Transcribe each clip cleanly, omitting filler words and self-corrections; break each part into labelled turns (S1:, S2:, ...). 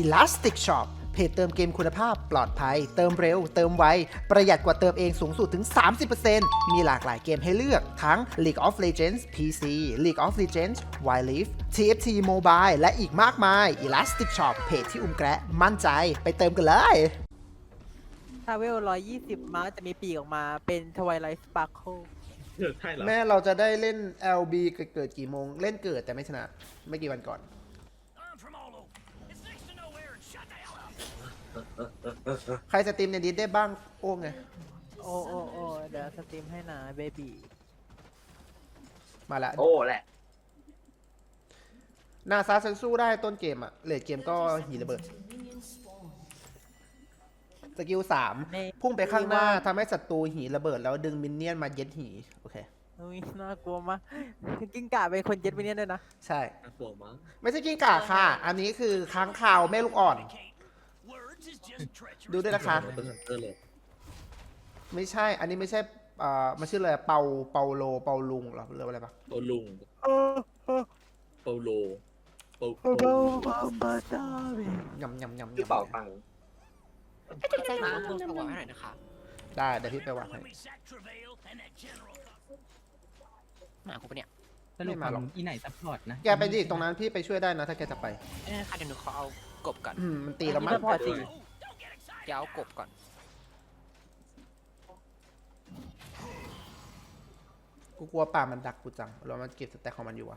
S1: Elastic Shop เพจเติมเกมคุณภาพปลอดภัยเติมเร็วเติมไวประหยัดกว่าเติมเองสูงสุดถึง 30% มีหลากหลายเกมให้เลือกทั้ง League of Legends PC League of Legends Wild Rift TFT Mobile และอีกมากมาย Elastic Shop เพจที่แกระมั่นใจไปเติมกันเลย
S2: ถ้าเวล120 มาจะมีปีกออกมาเป็น Twilight Sparkle
S3: ใช่เหรอ
S1: แม่เราจะได้เล่น LB เกิดกี่โมงเล่นเกิดแต่ไม่ชนะไม่กี่วันก่อน ใครสตรีมในดิสได้บ้างโอ้ไง
S2: โอ้เดี๋ยวสตรีมให้นะเบบี
S1: มาละ
S3: โอ้แหละ
S1: นาซาเซนสู้ได้ต้นเกมอะเลดเกมก็หีระเบิดสกิล3พุ่งไปข้างหน้าทำให้ศัตรูหีระเบิดแล้วดึงมินเนี่ยนมาเย็ดหีโอเค
S2: อุ้ยน่ากลัวมากกิ้งก่าเป็นคนเจ็ดไปเนี่ยด้วยนะ
S1: ใช่
S3: น่ากลัวมั้ง
S1: ไม่ใช่กิ้งก่าค่ะ อันนี้คือค้างคาวแม่ลูกอ่อน ดูด้วยนะคะ
S3: เป็นฮันเตอร์เลย
S1: ไม่ใช่ อันนี้ไม่ใช่มันชื่ออะไรเปาโลเปาลุงเหรอหรืออะไรปะ
S3: เปาลุงเปาโลเปา
S2: บาตาเบ
S1: ยำยำยำ
S3: ชื่อเป่าตังค์
S4: แจ้งหนูว่าคุณสวอให้หน่อยนะคะ
S1: ได้เดี๋ยวพี่ไปวางให้
S4: หมาคุณปะเนี่ย
S5: สรุปของอีไหนซัพพอร์ตนะ
S1: แกไปดิตรงนั้นพี่ไปช่วยได้นะถ้าแกจะไป
S4: ค่ะเดี๋ยวหนูขอเอากบก่อน
S1: มันตีแล้วมั้ง
S2: พอสิ
S4: เดี๋ยวเอากบก่อน
S1: กูกลัวป่ามันดักกูจังแล้วมันเก็บสแต็กของมันอยู่อะ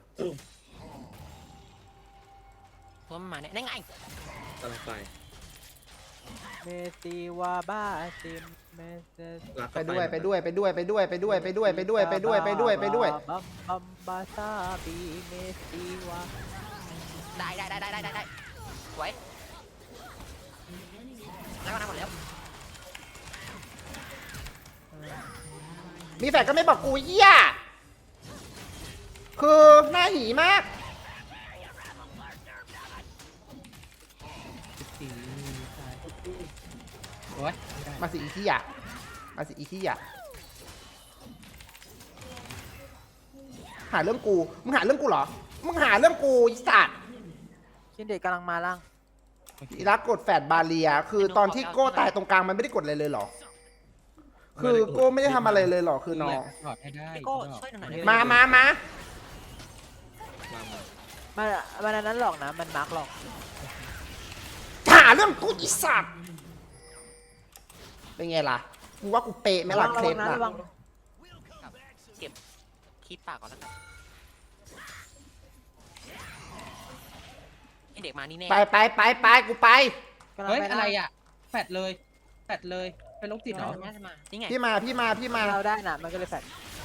S4: เพราะมันมาเนี่ยได้ไง
S3: กำลังไป
S2: เมติวาบ้าซิมเมเซ
S3: รัก
S1: ไปด้วยไปด้วยไปด้วยไปด้วยไปด้วยไปด้วยไปด้วยไปด้วยไปด้วยไปด้วย
S2: บัมบาซาบีเมติวา
S4: ได้สวยแล้วก็น้ำหมดแล้ว
S1: มีแฟนก็ไม่บอกกูเหี้ยคือหน้าหีมาก
S5: สีใช่โอ๊ยไม่ได้
S1: มาสิอีขี้ยะมาสิอีขี้ยะหาเรื่องกูมึงหาเรื่องกูเหรอมึงหาเรื่องกูอีสัตว์
S2: ชินเด็กกำลังมาล่าง
S1: อีรักกดแฟดบาเรียคือตอนที่โก้ตายตรงกลางมันไม่ได้กดอะไรเลยเหรอคือโก้ไม่ได้ทำอะไรเลยเหรอคือน้อง
S5: ถอดให้ได้
S4: พี่โก้ช่วยหน่อยได้ไหม
S1: มา
S3: มา
S2: มันอันนั้นหลอกนะมันมาร์กหลอก
S1: หาเรื่องกูอีสัตว์เป็นไงล่ะกูว่ากูเป๊ะไหมล่ะเคลป
S2: นะ
S1: ล่ะ
S2: ระวัง
S4: เก็บคีบปากก่อนแล้วกันไอเด็กมานี่แน่
S1: ไปกูไป
S2: กำลัง
S5: เฮ้ย
S2: ไป
S5: อะไรอ่ะแฟดเลยเป็นโรคจิตเหรอ
S4: น่าจะมานี่ไง
S1: พี่มา
S2: เราได้น่ะมันก็เลยแฟด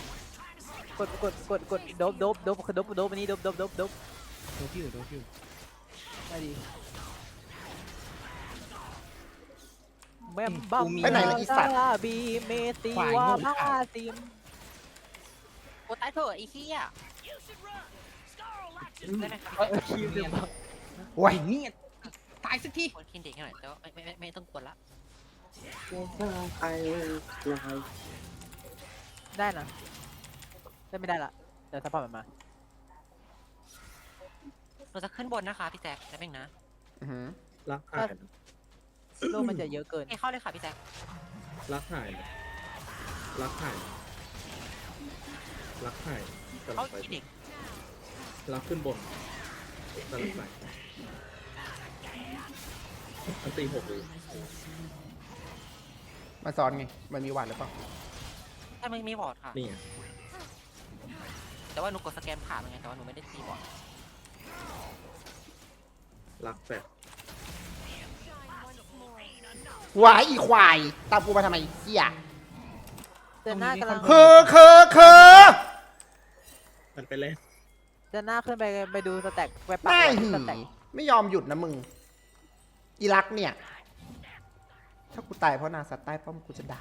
S2: กดโดบคือโดบอันนี้โดบ
S5: โดฟิว
S2: ได้ดีแม่บัมบีเมติวาบ้าซิม
S4: โอ้ตายเถอะไอ้ขี้อ่ะได้ไหมครับ
S2: คิวเดือด
S1: โอ้ย
S5: นี่ตายสักที
S4: ควรกินเด็กให้หน่อยแต่ว่าไม่ต้องกวนละ
S2: ได้นะได้ไม่ได้ละเดี๋ยวซัพพอร์ตมันมา
S4: เราจะขึ้นบนนะคะพี่แจ๊คแป๊บนึงนะ
S1: อื้อหือ
S3: รักหาย
S2: โลกมันจะเยอะเกิน
S4: ให้เข้าเลยค่ะพี่แจ๊ค
S3: รักหายรักหายรักหายกำลั
S4: เข้าง
S3: ไป
S4: อีเด็ก
S3: รักขึ้นบนกำลังไปอันตี6เลย
S1: มาซ้อนไงมันมีหวานหรือเปล่า
S4: ถ้าไม่มีบอร์ดค่ะ
S3: นี่ไง
S4: แต่ว่าหนูกดสแกนผ่านเหมือนกันแต่ว่าหนูไม่ได้ตีบอร์ด
S3: รักแฟด
S1: หวายอีควายตามกูมาทำไมเหี้ย
S2: เจนหน้ากำลัง
S1: คือ
S3: มันไปเล่น
S2: เจนหน้าขึ้นไปดูสแต็กไป
S1: ห
S2: ปัก
S1: น้า
S2: หลัก
S1: หี
S2: สแต็ก
S1: ไม่ยอมหยุดนะมึงอีรักเนี่ย ถ้ากูตายเพราะนาสัตว์ใต้ป้อมกูจะด่า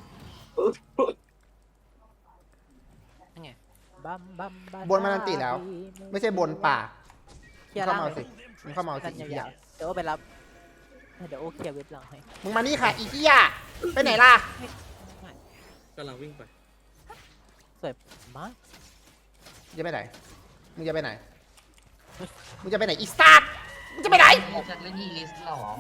S4: นั่นไง
S2: บัมบัม
S1: บนมันอันติแล้ว ไม่ใช่บนป่า
S2: เคลียร์
S1: เข้า
S2: ล่าง
S1: มาเอาสิมึงเข้ามาเอา
S2: กั
S1: สิ
S2: น
S1: อีเหี้ย
S2: ยาวๆเดี๋ยวโอไปรับเดี๋ยวโอเคลียร์เว็บหลังให้
S1: มึงมานี่ค่ะอีเหี้ยไปไหนล่ะ
S3: กำลังวิ่งไป
S2: สวยมาก
S1: จะไปไหนมึงจะไปไหนมึงจะไปไหนอีสัตว์มึงจะไปไหน
S5: จะเล่นอีลิสหรอ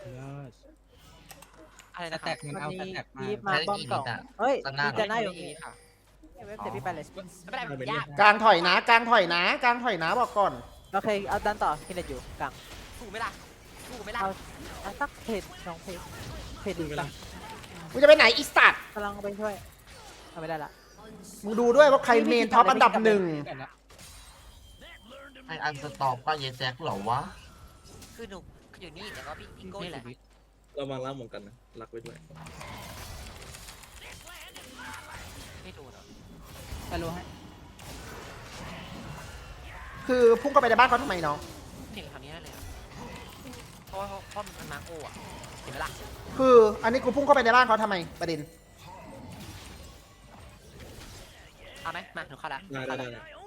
S4: อะไร
S5: ส
S4: นะค
S5: แต็
S4: รับ
S5: กมันเอาสแต็กมา
S2: ยีบมาป้อมสองเฮ้ย
S5: ตอนหน้า
S2: มีจะหน้าอยู่
S4: ดีค่ะ
S2: เว็บเดี๋ยวพี่ไปเลย
S4: ไม่เป็นไรมันยาก
S1: กลางถอยนะกลางถอยนะกลางถอยนะบอกก่อน
S2: โอเคเอาดันต่อคินเด็ดอยู่กลาง
S4: สู้ไหมล่ะสู้ไหมล่ะ
S2: เอาสักเพจสองเพจเพจ
S3: ดู
S2: ดี
S3: เว
S2: ก
S3: ลา
S2: ลาง
S1: มึงจะไปไหนอีสัตว์
S2: กำลังไปช่วยเอาไม่ได้ละ
S1: มึงดูด้วยว่าใครเมนท็อปอันดับหนึ่ง
S5: ไออันสต็อปก็เยแจ็คเหรอวะ
S4: คือหนูอยู่นี่แต่ว่าพี่โก้นี่แหละ
S3: เราวางล่างเหมือนกันนะรักไว้ด้วย
S4: ไม่โดนเหรอ
S5: ไปรู้ให้
S1: คือพุ่งเข้าไปในบ้านเขาทำไมน้อง
S4: เก่งคำนี้ได้เลยอะเพราะว่ามันมาโก้อะเห็นไหมล่ะ
S1: คืออันนี้กูพุ่งเข้าไปในบ้านเขาทำไมประเด็น
S4: เอาไหมมาหนูเข้าละ
S3: ได้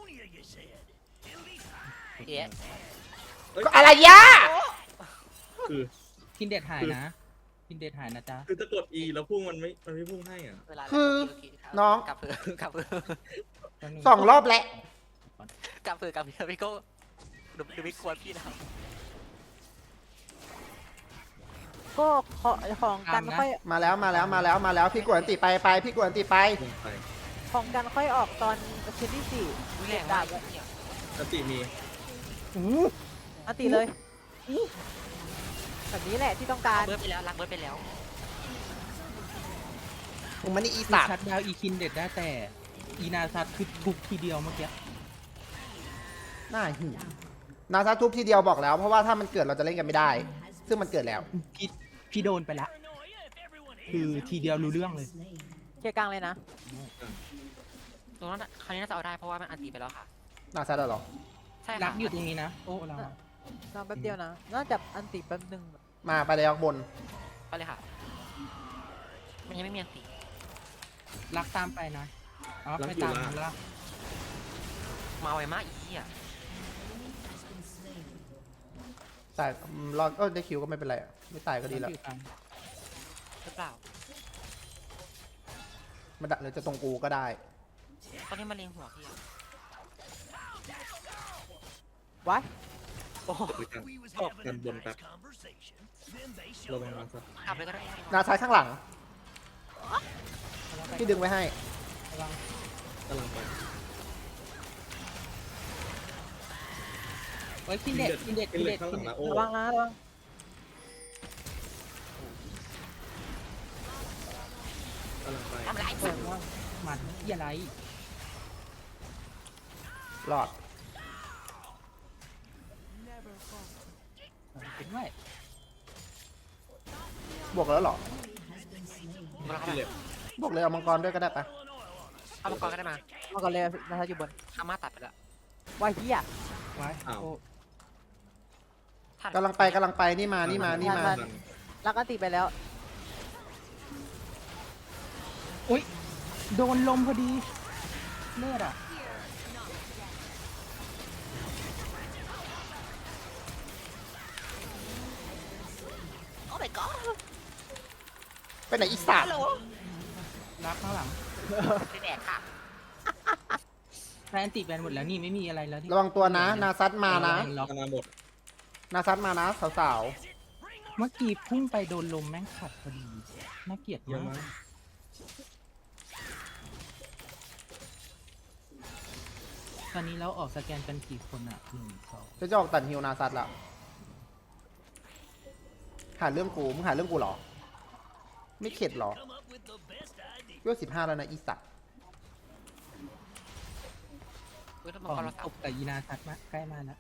S4: เอ๊ะ
S1: ก็อะไรยะ
S3: คือ
S5: กินเด็ดหายนะกินเด็ดหายนะจ๊ะ
S3: คือจะกด E แล้วพุ่งมันไม่พุ่งให้อ่ะ
S4: เวลา
S1: คือน้อง
S4: กลับเพื่อกลับเพื่อ
S1: 2 รอบแล้ว
S4: กลับเพื่อกลับเพื่อพี่โก้ดูไม่ควรพี่นะ
S2: ก็ของกันค่อย
S1: มาแล้วพี่กวนติไปพี่กวนติไป
S3: พุ่งไป
S2: ของกันค่อยออกตอนชิ้นที่สี่
S4: แรง
S2: ดา
S4: มา
S2: บ
S4: กเนี่ย
S3: อติมี
S2: อันตีเลยแบบนี้แหละที่ต้องการ
S4: เบิร์ดไปแล้วรักเบิร์ดไปแล้ว
S1: มึงมันนี่อี
S5: อี
S1: สัตว์
S5: ชัดดาวอีคินเด็ดได้แต่อีนาซัดคือทุบทีเดียวเมื่อกี้
S1: หน้าหิวนาซาทุบทีเดียวบอกแล้วเพราะว่าถ้ามันเกิดเราจะเล่นกันไม่ได้ ซึ่งมันเกิดแล้ว
S5: พี่โดนไปละคือทีเดียวรู้เรื่องเลย
S2: เคลียร์กลางเลยนะ
S4: ตรงนั้นคราวนี้น่าจะเอาได้เพราะว่ามันอันตีไปแล้วค่ะ
S1: นาซาเหรอ
S4: ใช่
S5: รั
S4: ค่ะ
S5: กอยู่ตรงนี้นะโอ้เรา
S2: รอแป๊บเดียวนะน่าจะอันตีแป๊บนึง
S1: มาไปเลยบน
S4: ไปเลยค่ะ มันยังไม่มีอันตี
S5: รักตามไปนะอ๋อไม่ตามแล้ว
S4: มาไวมากอีอ่ะ
S1: ตายรอดได้คิวก็ไม่เป็นไรอะไม่ตายก็ดีแล้ว
S4: หรือเปล่า
S1: มันดักเลยจะตรงกูก็ได้
S4: ตอนนี้มันเล็งหัวพี่อะ
S2: วะ
S4: โอ้โห
S3: หรือกันบนแป๊บระวังมันซะ
S4: กลับเลยก็ได้
S1: นาซ้ายข้างหลังพี่ดึงไว้ให้
S3: กำลังไป
S5: ไว้กินเด็ดกินเด็ด
S3: กิ
S5: กิ
S3: น
S5: น
S3: เหล็
S5: เด็
S3: ก
S5: ด
S3: ข้างหลังนะโอ้
S2: ระวังนะระวัง
S3: กำลังไป
S4: ทำไร
S2: เปิดว่า
S5: มันอย่าไร
S1: รอด
S5: เป็นไว้
S1: บวกแล้วเหรอ
S4: มาเข้า
S3: กิน
S4: ไป
S3: เหล็ก
S1: บวกเลยเอามังกรด้วยก็ได้ปะ
S4: เอามังกรก็ได้มา
S2: มาก่อนเลยนะอยู่บน
S4: อาม่าตัดไปแล้ว
S2: ว่าเฮีย
S5: ไว้โอ้
S4: ทัน
S1: กำลังไปนี่มา
S2: รักอันตีไปแล้ว
S5: อุ้ยโดนลมพอดีเลือดอ่ะ
S4: โอ้ my god
S1: ไปไหนอีสัตว์
S5: รักข้างหลัง
S4: ไม่แดกค่ะ
S5: แฟนติดแบนหมดแล้วนี่ไม่มีอะไรแล้วที่
S1: ระวังตัวนะ นาซัดมานะ
S5: ล็อก
S3: มานาหมด
S1: นาซัดมานะสาว
S5: เมื่อกี้พุ่งไปโดนลมแม่งขัดพอดีน่าเกลียด
S3: เยอะ
S5: มาม
S3: าก ก
S5: ตอนนี้เราออกสแกนกันกี่คนอ่ะ1 2
S1: ๆจะออกตัดฮิวนาซัดละหาเรื่องกูมึงหาเรื่องกูเหรอ ไม่เข็ดเหรอเวล15แล้วนะอีสัตว์
S4: เฮ้ยต้อง
S5: ข
S4: มัง
S5: อก
S4: ร
S5: ง
S4: เรา
S5: ต
S4: สับบ
S5: กับยีนาทัดมาใกล้มาแล้ว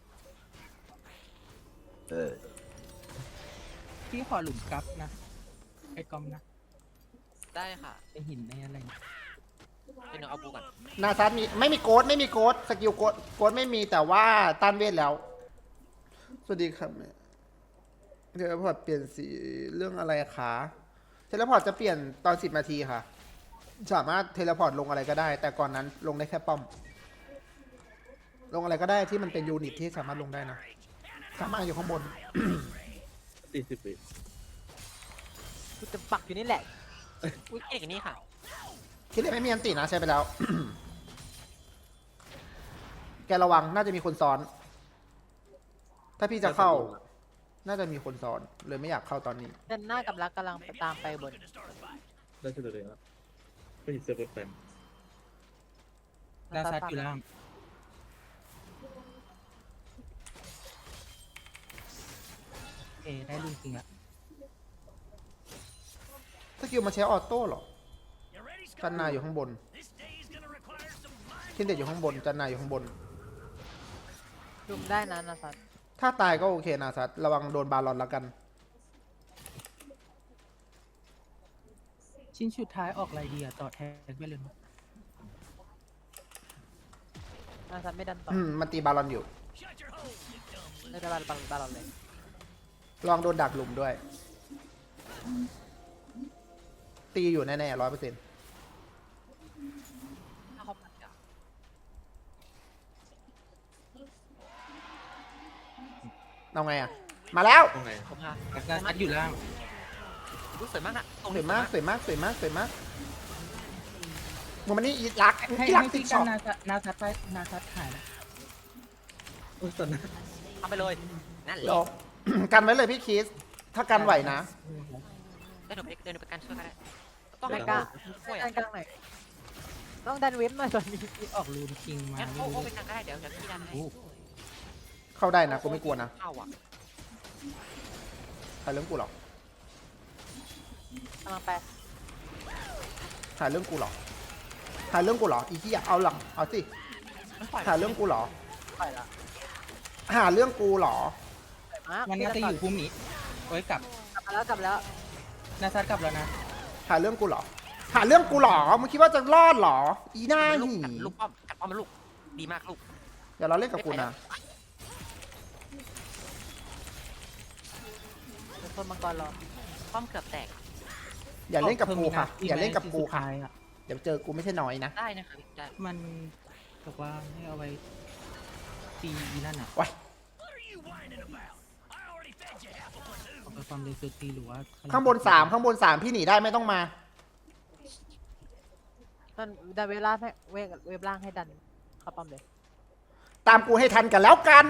S5: พี่ขอหลุมกลับนะไอ้กอมนะ
S4: ได้ค่ะ
S5: ไอ้หินไอ้อะไร
S4: เป็นหนูเอาบูก่อน
S1: นาซัดมีไม่มีโกดสกิลโกดไม่มีแต่ว่าต้านเวทแล้ว สวัสดีครับเทเลพอร์ตเปลี่ยนสีเรื่องอะไรคะเทเลพอร์ตจะเปลี่ยนตอน10 นาทีค่ะ สามารถเทเลพอร์ตลงอะไรก็ได้ แต่ก่อนนั้นลงได้แค่ป้อม ลงอะไรก็ได้ที่มันเป็นยูนิตที่สามารถลงได้นะ สามารถอยู่ข้างบน
S3: 40 ปี
S2: กูจะปักอยู่นี่แหละ
S4: อุ้ยเก่งอย่างนี้ค่ะ
S1: คิดเลยไม่มีอันตินะใช้ไปแล้ว แกระวังน่าจะมีคนซ้อน ถ้าพี่จะเข้าน่าจะมีคนซ้อนเลยไม่อยากเข้าตอนนี้
S2: เจนหน้ากับรักกำลังไปตามไปบน
S3: ได้เฉลยเลยครับไม่เห็นเสื้อแฟน
S5: นาซัดอยู่ล่างได้ลูกจริงละ
S1: สกิลมาใช้ออโต้เหรอจันนาอยู่ข้างบนคินเด็ดอยู่ข้างบนจันนาอยู่ข้างบน
S2: ดุมได้นะนาซัด
S1: ถ้าตายก็โอเคนะซัดระวังโดนบาลอนแล้วกัน
S5: ชิ้นสุดท้ายออกอะไรดีอะต่อแทนไปเลยมั้ย
S2: นาซัดไม่ดันต่อ
S1: มันตีบาลอนอยู่
S2: เลยได้บาลอนเลย
S1: ระวังโดนดักหลุมด้วย ตีอยู่แน่ๆ100%
S2: ถ้าเขาปัดอ่ะ
S1: เอาไงอ่ะ มาแล้ว
S3: ๆตรงไหน
S4: ผมพา
S5: นาซัดอยู่ล่าง
S4: รู้สวยมากนะตรง
S1: ส
S4: นี้
S1: วยมากสวยมากสวยมากสวยมากมึงมันนี่อีรัก
S5: ให้
S1: อีรัก
S5: ให้
S1: ติ๊
S5: พี่
S1: ก
S5: กั
S1: ช็อน ป
S5: นาซัดไปนาซัดหายแล้ว
S3: โอ้ยตอนนั้น
S4: ทำไปเลยนั่นแห
S1: หล
S4: ละ
S1: บ กันไว้เลยพี่คิส ถ้ากันไหวนะ
S4: เดินไปกันช่วยกันได้ต้อง
S2: ไม่
S4: ให้
S2: กล้า
S4: ช่วย
S2: ดันกลางหน่อยต้องดันเว็บหน่อยตอนนี้
S5: ที่ออกรูนคิงมา
S4: งั้น
S5: ไม่
S4: โอ้
S5: รู้
S4: เป็นกลางก็ได้เดี๋ยวพี่ดันให้
S5: โอ้
S1: เข้าได้นะกูไม่กลัวนะ
S4: เข้าอ่ะ
S1: หาเรื่องกูหรอก
S2: กำลังไป
S1: หาเรื่องกูหรอหาเรื่องกูหรออีที่อยากเอาหลังเอาสิ
S4: ไม่ปล่อย
S1: หาเรื่องกูหรอ
S2: ปล่อยละ
S1: หาเรื่องกูหรอ
S2: ปล่อยมาก
S5: มันน่าจะอยู่ภูมิโอ้ยกลับ
S2: กลับมาแล้ว
S5: นาซัดกลับแล้วนะ
S1: หาเรื่องกูหรอ หาเรื่องกูหรอมึงคิดว่าจะรอดหรอ อีหน้า
S4: ลูก
S1: หี
S4: กัดลูกป้อมกัดป้อมมันลูกดีมากลูก
S1: อย่าเราเล่นกับกูนะ
S2: เป็นคนมังกรรอ
S4: ป้อมเกือบแตก
S1: อย่าเล่นกับกูค่ะ อย่าเล่นกับกูค่ะ
S5: ที่สุดท้ายอะ
S1: เดี๋ยวเจอกูไม่ใช่น้อยนะ
S4: ได้นะครับได้
S5: มันบอกว่าให้เอาไว้ตีอีนั่นอ่ะ
S1: ว้าย
S5: เอาไปความเร็วสุดตีหรือว่า
S1: ข้างบน3ข้างบน3พี่หนีได้ไม่ต้องมา
S2: นั่นดันเวลาให้เว็บล่างให้ดันเข้าป้อมเลย
S1: ตามกูให้ทันกันแล้วกัน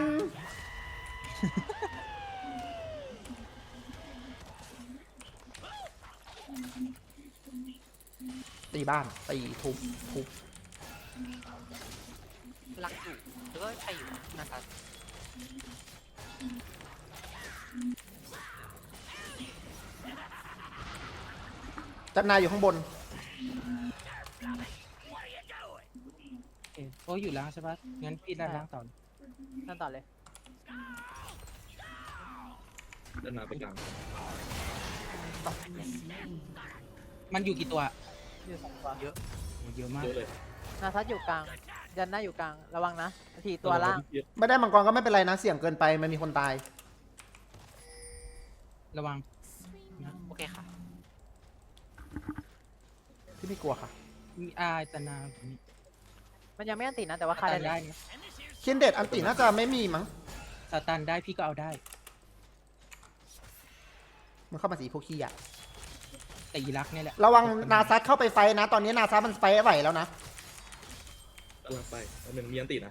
S1: ตีบ้าน ตีทุบ
S4: รักอยู่หรือว่าใครอยู่นะครับ
S1: จันนายอยู่ข้างบน
S5: โอ้อยู่ล่างใช่ปะงั้นพี่ด้านล่างต่อ
S2: นั่นต่อเลย
S3: เดินมาไปกลาง
S5: มันอยู่กี่ตัว
S2: อยู่2ตัว
S5: โอ้เยอะมาก
S3: เยอะเลย
S2: นาซัดอยู่กลางยันหน้าอยู่กลางระวังนะทีตัวล่าง
S1: ไม่ได้มังกรก็ไม่เป็นไรนะ เสี่ยงเกินไปมันมีคนตาย
S5: ระวัง
S4: โอเคค่ะ
S1: พี่ไม่กลัวค่ะ
S5: มีอาตนาแบบนี้
S2: มันยังไม่อันติดนะแต่ว่าคา
S5: ตัน
S2: ได้
S5: ได้นะ
S1: เคียนเดดอันติน่าจะไม่มีมั้ง
S5: สตันได้พี่ก็เอาได้
S1: มันเข้ามาสีพวกขี้อะ
S5: แต่อีรักเนี่ยแหละ
S1: ระวังนาซัดเข้าไปไฟนะ ตอนนี้นาซัดมันไฟไหวแล้วนะ
S3: กำลังไปแล้วหนึ่งมีอันตินะ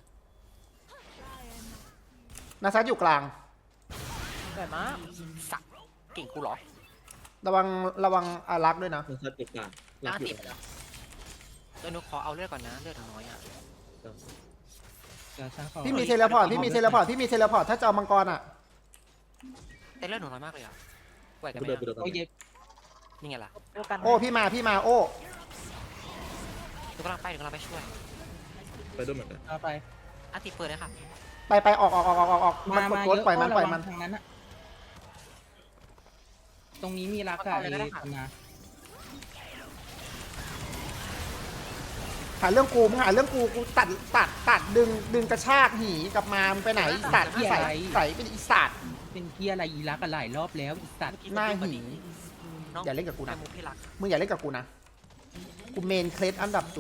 S1: นาซัดอยู่กลาง
S2: สวยมาก
S4: สักเก่งกูเหรอ
S1: ระวังอารักษ์ด้วยนะ
S3: มันซัดจุดกลาง
S4: ล่าง
S3: อยู่
S4: ติดแล้วเดี๋ยวหนูขอเอาเลือดก่อนนะเลือดหนูน้อยอ่ะ
S5: เดี๋ยวฉันขอ
S1: พี่มีเทเลพอร์ต พี่มีเทเลพอร์ต พี่มีเทเลพอร์ต ถ้าจะเอามังกรอะ
S4: แต่เลือดหนูน้อยมากเลยอ่ะไหวกันไหม
S3: กูเดินไป
S4: อะ
S3: เดิน
S5: โอ้ยเย็บ
S4: นี่ไงล่ะ
S2: โอ้กัน
S1: โอ้พี่มาโอ้
S4: หนูกำลังไปช่วย
S3: ไปด้วยเหมือนกัน
S5: เอาไป
S4: อาติเปิดเลยค่ะ
S1: ไปออกมันกด
S5: มา
S1: ตัว
S5: เยอะ
S1: ปล่อยมัน
S5: ระ
S1: ปล่อย
S5: วัง
S1: มัน
S5: ทางนั้นอะตรงนี้มีรักอะไอ้ตนา
S1: หาเรื่องกูมึงหาเรื่องกูตัดดึงกระชากหีกลับมามึงไปไหนอีสัตว์ใส่เป็นอีสัตว์
S5: เป็นเกียอะไรอีรักอะหลายรอบแล้วอีสัตว์
S1: หน้าหี
S4: น้อง
S1: อย่าเล่นกับกูนะ
S4: ไมุกพี่รัก
S1: มึงอย่าเล่นกับกูนะ กูเมนเคลสอันดับ 0.5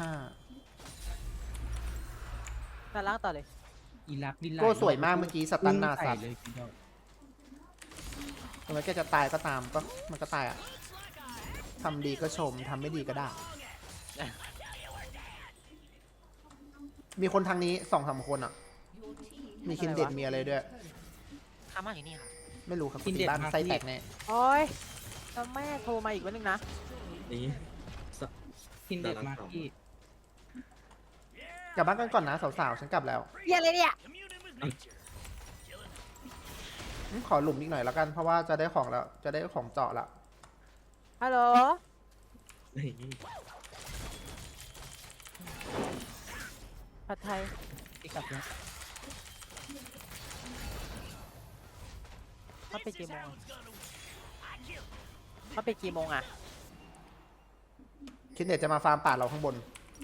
S2: ด้านล่างต่อเลย
S5: อีรักดินไหล
S1: โก้สวยมากเมื่อกี้สตันนาซัด
S5: เลยทีเดียว
S1: ทำไมแกจะตายก็ตามก็มันก็ตายอ่ะทำดีก็ชมทำไม่ดีก็ด่ามีคนทางนี้2-3 คนอ่ะ มีคินเด็ดมีอะไรด้วย
S4: ข้ามาอยู่นี่ค่ะ
S1: ไม่รู้ครับ
S5: กินเด็ด
S1: บ้าน
S5: มาก
S1: ไส้
S5: พี่
S1: แตกแน่
S2: โอ้ยแล้วแม่โทรมาอีกวันนึงนะ
S3: นี่สะ
S5: กินเด็ดมากพี่
S1: กลับบ้านกันก่อนนะสาวๆฉันกลับแล้ว
S2: เหี้ยอะไรเนี่ย
S1: ขอหลุมอีกหน่อยแล้วกันเพราะว่าจะได้ของแล้วจะได้ของเจาะละ
S2: ฮัลโหล
S3: นี่
S2: ผัดไทย
S5: พี่กลับแล้ว
S2: เขาไปกี่โมงเขาไปกี่โมงอ่ะ
S1: คิดเน็ตจะมาฟาร์มป่าเราข้างบน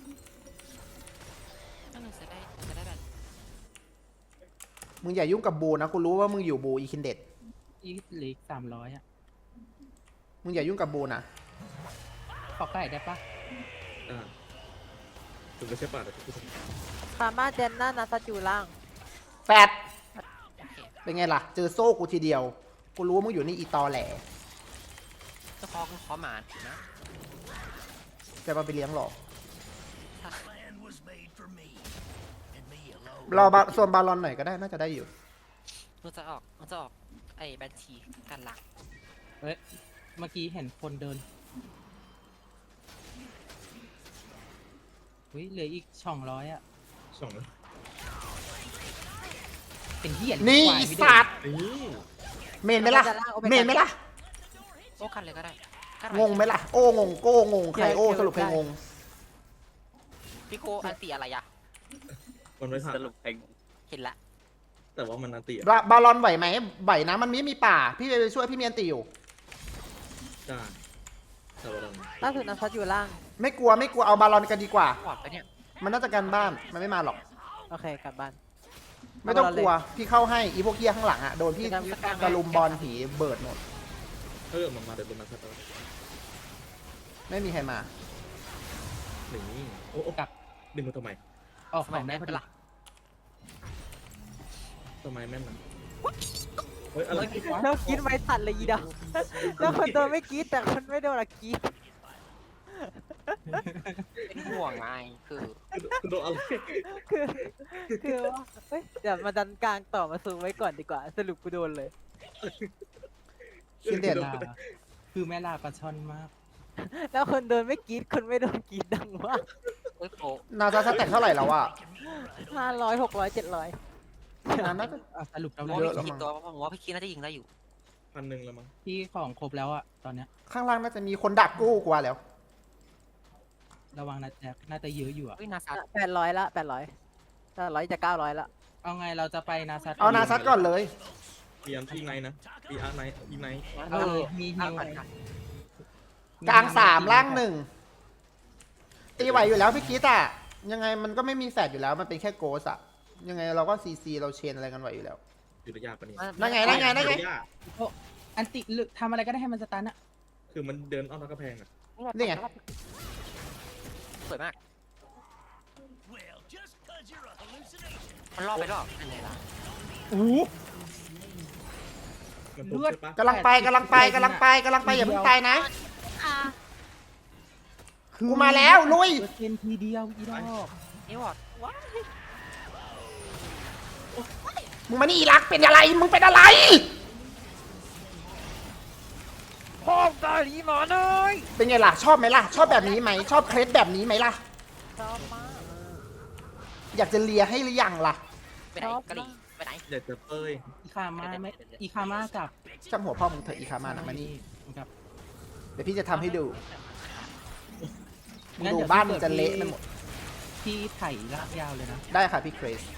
S4: นั่นจะได้แบบ
S1: มึงอย่ายุ่งกับบูนะกูรู้ว่ามึงอยู่บูอีคินเด็ด
S5: อีกเหลืออีก300อ่ะ
S1: มึงอย่ายุ่งกับบูนะ
S5: ขอไก่ได้ปะ
S3: ถึงไม่ใช่ป่าแต่ทุกคน
S2: พามาเจนน่านาซาจูล่าง
S1: แปดเป็นไงล่ะ เจอโซ่กูทีเดียว กูรู้ว่ามึงอยู่นี่อีตอแหล
S4: จะคอหมานะ
S1: จะมาไปเลี้ยงหรอรอบาส่วนบาลอนหน่อยก็ได้น่าจะได้อยู่
S4: มันจะออกไอ้แบนชีกันหลัก
S5: เอ้ยเมื่อกี้เห็นคนเดินอุ้ยเหลืออีก200อ่ะ
S3: สองแล้ว
S5: เป็นเหี้ย
S1: นี่
S5: ควาย
S1: อี
S5: ไม่
S1: สัตว์
S3: นี่
S1: เมนไหมล่ะ เมนไหมล่ะ
S4: โอ้กันเลยก็ได้
S1: งงไหมล่ะ โอ้งง โก้งง ใครโอ้สรุปใครงง
S4: พี่โกอันตีอะไรอะ
S3: มันไม่ผ่าน
S6: สรุปเพลง
S4: เห็นละ
S3: แต่ว่ามันนันติอ่ะ
S1: บาลอนไหวไหมไหวนะ มันไม่มีป่า พี่ไปช่วยพี่เมียนติอยู่
S3: จ้าแต่ว่าเรา
S2: ล่าสุดนาซาจูล่าง
S1: ไม่กลัวไม่กลัวเอาบาลอนกันดีกว่า
S4: หวอดไปเนี่ย
S1: มันน่าจะกันบ้าน มันไม่มาหรอก
S2: โอเคกลับบ้าน
S1: ไม่ต้องกลัว พี่เข้าให้ อีพวกเฮียข้างหลังอ่ะ โดนพี่กระลุมบอลผีเบิดหมด
S3: มันมาเดินบนนั้นครับ
S1: ไม่มีใครมา
S3: นี่โอ้กลับดึงมาทำไม
S5: ออกของได้พอดี
S3: ทำไมแม่นมันเฮ้ยอะไร
S2: แล้วกรีดไม่ทันเลยอีดาแล้วคนโดนไม่กรีดแต่คนไม่โดนอะกรีด
S4: เป็นห่วงไงคือ
S3: โดนอะไร
S2: คือว่าเฮ้ยเดี๋ยวมาดันกลางต่อมาซูมไว้ก่อนดีกว่า สรุปกูโดนเลย
S1: คินเด็ด
S5: ลาคือแม่ลาปลาช่อนมาก
S2: แล้วคนโดนไม่กรีดคนไม่โดนกรีดดังมาก
S4: เฮ้ยโก
S1: นาซาสแต็กเท่าไหร่แล้วอ่ะ
S2: 500 600 700
S1: น่าจะ
S5: สรุปเรา
S4: ผม
S1: เย
S4: ว่า
S1: อะ
S4: พี่คิดตัวผมว่าพี่คิดน่าจะยิงได้อยู่
S3: 1,000แล้วมั้ง
S5: ที่ของครบแล้วอ่ะตอนเนี้ย
S1: ข้างล่างน่าจะมีคนดักกู้กว่าแล้ว
S5: ระวังนะแจ็คน่าจะเยอะอยู่อ่ะ
S4: เฮ้ยนาซัด
S2: 800ละ800จะ900ละ
S5: เอาไงเราจะไปนาซัต
S1: เอานาซัดก่อนเลย
S3: ปีอันที่ไนนะปีอาร์ไนปีไน
S5: เออมีฮิว
S1: กลาง3ล่าง1ตีไหวอยู่แล้วพี่กิ๊ดอ่ะ ยังไงมันก็ไม่มีแฟดอยู่แล้ว มันเป็นแค่โกสอ่ะ ยังไงเราก็ซีเราเชนอะไรกันไหวอยู่แล้ว
S3: อยู่ระยะปะเนี่ย
S1: นั่นไง
S5: อันติหรือทำอะไรก็ได้ให้มันสตันอะ
S3: คือมันเดินอ้อมกระแพงอ่ะ
S1: นี่ไง
S4: สวยมากมันรอบไปรอบอันไหนล่ะ
S3: มันปุ๊บใช่ปะ
S1: กำลังไปอย่าเพิ่งตายนะ กูมาแล้วลุย
S5: เป็นทีเดียวอีดอก
S4: นี่วอดว้า
S1: มึงมานี่อีรักเป็นอะไร มึงเป็นอะไร
S2: พ่อตาดีหมอหน่อย
S1: เป็นไงล่ะ ชอบไหมล่ะ ชอบแบบนี้ไหม ชอบเคล็ดแบบนี้ไหมล่ะ
S2: ชอบมาก
S1: อยากจะเลียให้หรือยังล่ะ
S4: ไปไหนกะหรี่ไปไหน
S3: อยากจะเป้ย
S5: อีคามาไม่อีคามากับ
S1: ช่างหัวพ่อมึงเถอะอีคามานะมานี่
S5: กับ
S1: เดี๋ยวพี่จะทำให้ดูมึงดูบ้านมึงจะเละไปหมด
S5: ที่ไถลากยาวเลยนะ
S1: ได้ค่ะพี่เครส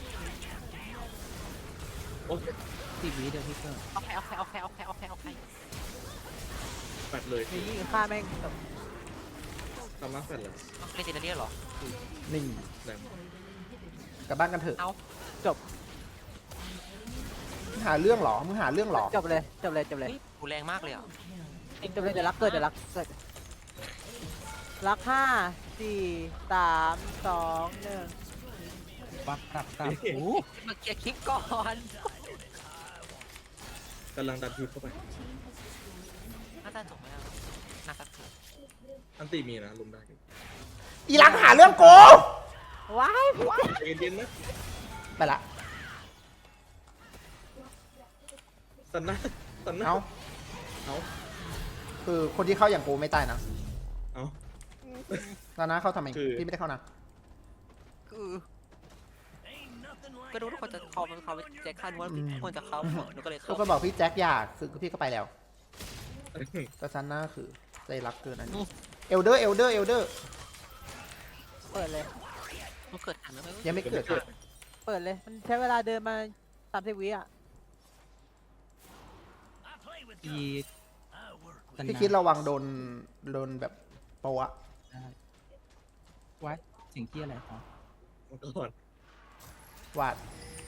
S5: 10 วิเดี๋ยวพี่เกิด
S4: เอาใคร
S3: แฟดเลย
S2: นี่ยิงฆ่าแม่งแบบ
S3: ทำมาแฟดเลย
S4: เล่นเซนเรียเหรอ
S1: นี่
S3: แรง
S1: กลับบ้านกันเถอะ
S4: เอา
S1: มึงหาเรื่องเหรอ มึงหาเรื่องเหรอ
S2: จบเลยจบเลย
S4: เฮ้ยกูแรงมากเลยอ่ะ
S2: จบเลยเดี๋ยวรักเกิดรัก5 4 3 2 1
S5: ปักตับโอ้
S4: มาเคลียร์คลิปก่อน
S3: กำลังดันทีเข้าไป
S4: น่าจะจบไหมอ่ะน่าจะถูก
S3: อันตีมีนะลุมได้
S1: อีรักหาเรื่องโก
S2: ว้าย
S3: ใจเย็นๆนะ
S1: ไปละ
S3: สันนะตอนนั้น
S1: เอ้า
S3: เอา
S1: คือคนที่เข้าอย่างกูไม่ตายนะ
S3: เอา
S1: ตอนนั้นเข้าทำไม
S3: คือ
S1: พี่ไม่ได้เข้านะ
S2: คือก็รู้ทุกคนจะเขาเป็นเขาแจ็คสันว่าควรจะเข้าหมดหนูก็เลย
S1: กู
S2: เข้า
S1: ก็บอกพี่แจ็คอยากคือพี่ก็ไปแล้วแต่ซันน่าคือใจรักเกินอันนี้เอลเดอร์
S2: เปิดเลยมันเกิดทันไหม
S1: ยังไม่เกิด
S2: เปิดเลยมันใช้เวลาเดินมา30 วิอ่ะ
S5: อีตัน
S1: พี่
S5: นา
S1: คิดระวังโดนแบบโปะอะ
S5: ได้วัดเสียงที่อะไรครับ
S3: ก่อน
S1: วาด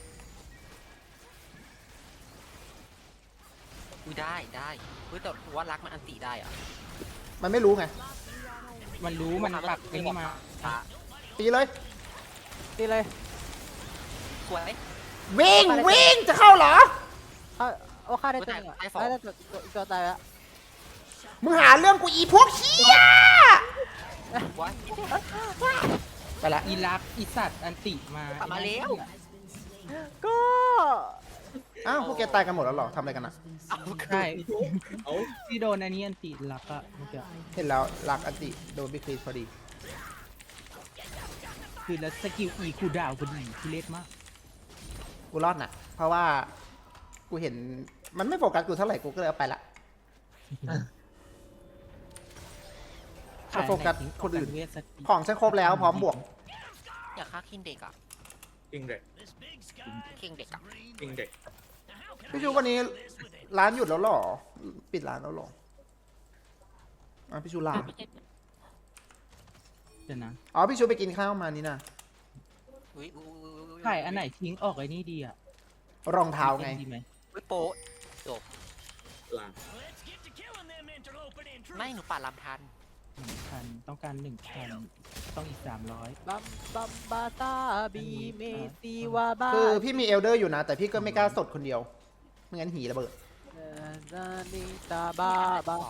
S2: ได้เฮ้ยแต่ว่ารักมันอันติได้อ่ะ
S1: มันไม่รู้ไง
S5: มันรู้มันปักไอ้นี่มา
S1: ตีเลย
S2: ตีเลยสวย
S1: วิ่งจะเข้าเหรอ
S2: โอ้ฆ่าได้ตัวนึงอ่ะได้ตัวตายแล้ว
S1: มึงหาเรื่องกูอีพวกเชี่ย
S2: ว้าย
S1: ไปละ
S5: อีรักอีสัตว์อันติมา
S2: กลับมาแล้ว ก็
S1: อ้าวพวกแกตายกันหมดแล้วเหรอทำอะไรกันนะ
S5: ใช่
S3: เอา
S5: ที่โดนอันนี้อันติรักอะเมื่อกี้
S1: เห็นแล้วลักอันติโดนบิ๊กคลีพอดี
S5: คือแล้วสกิลอีคูลดาวน์พอดีทุเรศมาก
S1: กูรอดน่ะ เพราะว่ากูเห็นมันไม่โฟกัสกูเท่าไหร่กูก็เลยเอาไปละ ถ้าโฟกัสคนอื่น
S5: เวทสกิล
S1: ของฉันครบแล้วพร้อมบวก
S2: อยากฆ่าคิงเด็กอ่ะ
S3: อิงเด็ก
S2: คิงเด็กอ่ะ
S3: อิงเด็ก
S1: พี่ชูวันนี้ร้านหยุดแล้วเหรอ ปิดร้านแล้วเหรออ่ะพี่ชูลา
S5: เดี๋ยวนะ
S1: อ๋อพี่ชูไปกินข้าวมานี่นะ
S2: อุ้ย
S5: ไข่อันไหนทิ้งออกไอ้นี่ดีอะ
S1: รองเท้าไง
S5: ดีไหม
S2: อุ้ยโป๊ะจบ
S3: ลา
S2: ไม่หนูป่าดลำทัน
S5: 1,000ต้องการ1,000ต้องอีก300
S2: บัมบาตาบีเมซีวาบา
S1: คือพี่มีเอลเดอร์อยู่นะ แต่พี่ก็ไม่กล้าสดคนเดียวไม่งั้นหีระเบิด
S2: นานิตาบาบา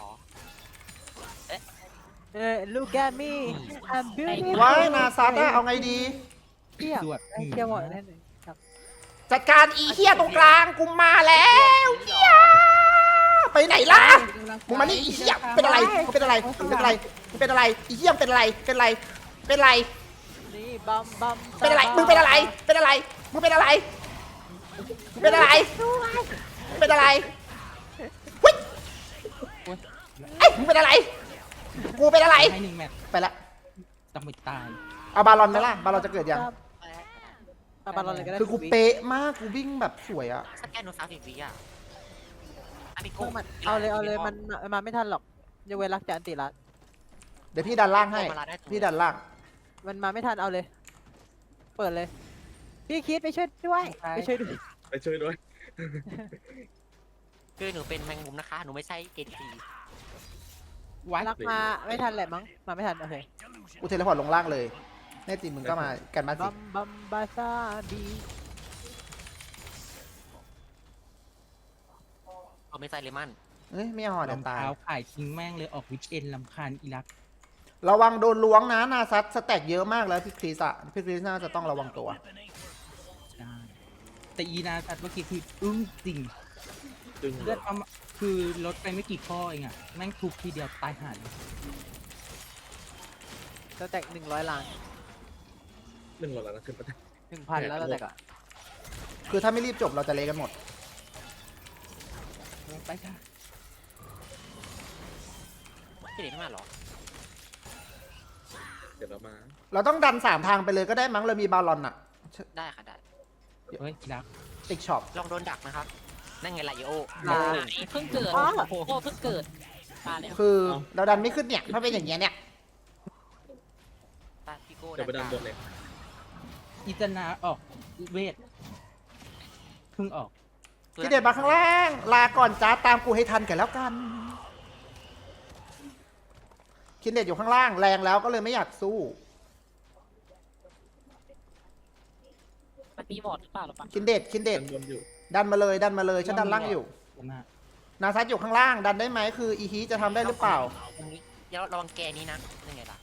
S2: look at me I'm beautiful
S1: ว้ายนาซัตอะเอาไงดี
S2: เที่ยว
S5: สวด
S2: เที่ยวหมดแน่เลยครับ
S1: จัดการอีเฮียตรงกลางกูมาแล้วเฮียไปไหนล่ะมึงมานี่อีเฮียเป็นอะไรมึงเป็นอะไรมึงเป็นอะไรมึงเป็นอะไรอีเฮียเป็นอะไรเป็นอะไรเป็นอะไร
S2: นี่บัมบัม
S1: เป็นอะไรมึงเป็นอะไรเป็นอะไรมึงเป็นอะไรมึงเป็นอะไรมึงเป็นอะไรเฮ้ยเอ้ยมึงเป็นอะไรกูเป็นอะไร
S5: ให้1 แมตช์
S1: ไปละ
S5: ต้องไม่ตาย
S1: เอาบาลอนไหมล่ะบาลอนจะเกิดยัง
S2: บาลอนเลยก็ได้
S1: คือกูเป๊ะมากกูวิ่งแบบสวยอะ
S2: สแกนโน30 วิอ่ะอันนี้กูเอาเลยมันมาไม่ทันหรอกยกเว้นรักจะอันติรัด
S1: เดี๋ยวพี่ดันล่างให้พี่ดันล่าง
S2: มันมาไม่ทันเอาเลย เปิดเลย พี่คิดไปช่วยด้วยไปช่วยด้วย
S3: ไปช่วยด้วย
S2: คือหนูเป็นแมงมุมนะคะหนูไม่ใช่เอที
S5: วัด
S2: รักมาไม่ทันแหละมั้งมาไม่ทันโอเค
S1: กูเทเลพอร์ตลงล่างเลยแน่จริงมึงก็มากันบ้านสิ
S2: บัมบาซาบีเอาไม่ใส่เลมัน
S1: เอ้ยไม่เอาอ่ะ
S5: ร
S1: เดี๋
S5: อย ง
S1: วตาย
S5: เท้าขายทิ้งแม่งเลยออกวิกเอนลำคาญอีรัก
S1: ระวังโดนล้วงนะนาซัดสแต็กเยอะมากแล้วพี่คริสอะพี่คริสน่าจะต้องระวังตัว
S5: ใช่แต่อีนาสัตว์เมื่อกี้คืออึ้งจริง
S3: จึง
S5: เลือดประมาณคือลดไปไม่กี่ข้อเองอะแม่งทุบทีเดียวตายห่าเลย
S2: จะแตก100 ล้าน
S3: 100 แล้วนะขึ้นมา
S2: 1,000 แล้วเราแตกอ่ะ
S1: คือถ้าไม่รีบจบเราจะเละกันหมด
S5: ไปค่ะ
S2: พี่เด็กไม่มาหรอ
S3: เดี๋ยวเรามา
S1: เราต้องดัน3 ทางไปเลยก็ได้มั้งเรามีบาลอนอะ
S2: ได้ค่ะได้
S5: เฮ้ยอีรัก
S1: ติ๊กช็อป
S2: ลองโดนดักนะครับนั่นไงล่ะโย
S6: เพิ่งเกิดโอ้เพิ่งเกิดมาแล้ว
S1: คือเราดันไม่ขึ้นเนี่ยถ้าเป็นอย่างเงี้ยเนี่ย
S2: ตาพี่โก้
S3: เดี๋ยวไปดันบนเลย
S5: อีจนาออกเวทเพิ่งออก
S1: พี่เดชมาข้างล่างลาก่อนจ้าตามกูให้ทันกันแล้วกันคินเดชอยู่ข้างล่างแรงแล้วก็เลยไม่อยากสู้
S6: มันมีบอร์ดหรือเปล่าหรอปะ
S1: คินเดช
S3: ดันบนอยู่
S1: ดันมาเลยฉันดันล่างอยู่
S5: นะ
S1: นาซัดอยู่ข้างล่างดันได้ไหมคืออีฮีจะทำได้หรือเปล่า
S2: ตรงนี้อย่าระวังแกนี้นะยังไงล่ะ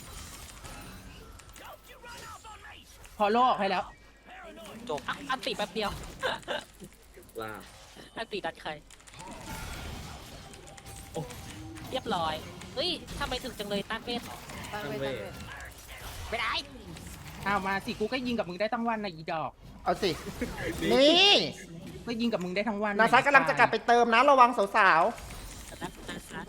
S5: พอโลออกให้แล้ว
S2: จบ
S6: อันติแป๊บเดียว
S3: ลา
S6: อันติดัดใครเรียบร้อยเฮ้ยทำไมถึงจังเลยต้านเวทเหรอ
S4: ตั้งเวท
S6: ไม่ได้
S5: เอามาสิกูก็ยิงกับมึงได้ทั้งวันนะอีดอก
S1: เอาสิ นี่
S5: ก็ยิงกับมึงได้ทั้งวัน
S1: นาซัดกำลังจะกลับไปเติมนะระวังสาว
S6: แต่นั้นนะคะ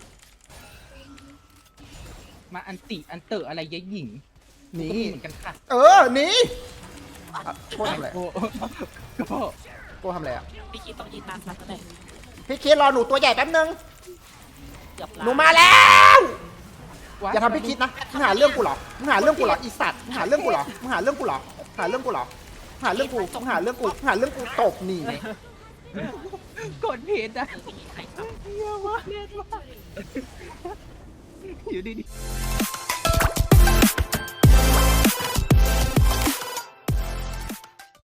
S5: มาอันติอันเตออะไรยะหญิง
S1: ๆ นี่
S5: ก็มีเหมือนกันค่ะ
S1: หนี่โก้ทำอะไร
S5: โอ้ก็
S1: โก้ทำอะไรอ่ะ
S6: พี่คิดต้องยิงตามซัดก็ได้
S1: พี่คิดรอหนูตัวใหญ่แป๊บนึง
S6: เกือบ
S1: หนูมาแล้ว อย่าทำพี่คิดนะมึงหาเรื่องกูเหรอมึงหาเรื่องกูเหรออีสัตว์มึงหาเรื่องกูเหรอมึงหาเรื่องกูเหรอหาเรื่องกูเหรอหาเรื่องกูมึงหาเรื่องกูหาเรื่องกูตบนี่
S5: กดเพจอะ
S6: คือไม่มีใครทำ
S5: เยอะมากเล่นมากอยู่ดีๆ